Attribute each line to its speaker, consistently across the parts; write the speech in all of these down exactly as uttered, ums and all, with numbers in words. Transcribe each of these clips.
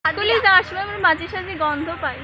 Speaker 1: হাটুলি যাওয়ার সময় আমরা মাঝে সাঝে গন্ধ পাই।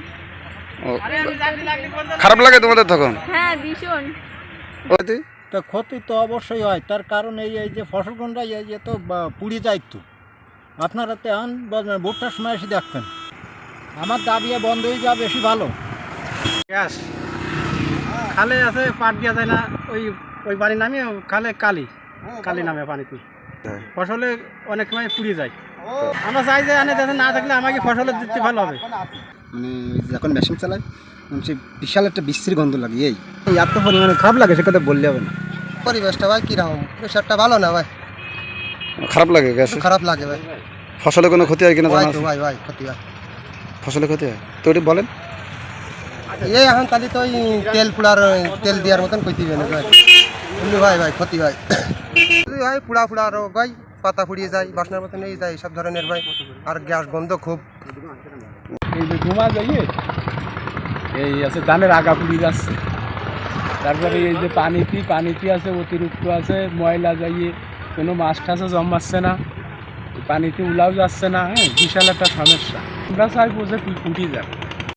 Speaker 2: খারাপ লাগে তোমাদের তখন?
Speaker 1: হ্যাঁ ভীষণ।
Speaker 3: তো ক্ষতি তো অবশ্যই হয়, তার কারণ এই এই যে ফসলগুলো এই যে তো পুড়ে যায়। তো আপনারা তো আন ভুট্টার সময় এসে দেখবেন, আমার দাবি বন্ধ হয়ে যাওয়া বেশি ভালো।
Speaker 4: গ্যাস খালে আছে, পাট দিয়া যায় না, ওই ওই পানি নামে খালে কালি কালি নামে পানিতে ফসলে অনেক সময় পুড়ে যায়। আমরা চাই যে আনে যাতে না থাকলে আমাকে ফসলের দিতে ভালো হবে।
Speaker 5: মানে যখন মেশিন চালাই সে বিশাল একটা বিশ্রী গন্ধ লাগে, এই এত পরিমাণে খারাপ লাগে সে কথা বললে হবে না।
Speaker 6: পরিবেশটা ভাই কিরকম, প্রেশারটা ভালো না ভাই,
Speaker 2: খারাপ লাগে গ্যাস?
Speaker 6: খারাপ লাগে ভাই।
Speaker 2: ফসলে কোনো ক্ষতি হয় কিনা জানা?
Speaker 6: ভাই ভাই ক্ষতি হয়,
Speaker 2: ফসলে ক্ষতি হয় তো ওটি বলেন।
Speaker 6: এই এখন তাহলে তো ওই তেল পুড়ার তেল দেওয়ার মতন ক্ষতি হয় না ভাই। এমনি ভাই ভাই ক্ষতি হয় ভাই, পুড়া পুড়া রোগ ভাই, পাতা পুড়িয়ে যায়, বাসনার মতন এই যায়, সব ধরনের ভাই। আর গ্যাস গন্ধ খুব।
Speaker 7: এই যে ধোঁয়া যাইয়ে এই আছে ধানের আগা পুড়ি যাচ্ছে, তারপরে এই যে পানিটি পানিটি আছে অতিরিক্ত আছে, ময়লা যাইয়ে কোনো মাছ টাছও জমাচ্ছে না, পানিতে উলাও যাচ্ছে না। হ্যাঁ বিশাল একটা সমস্যা। আমরা চাইবো যে ফুটি যাক।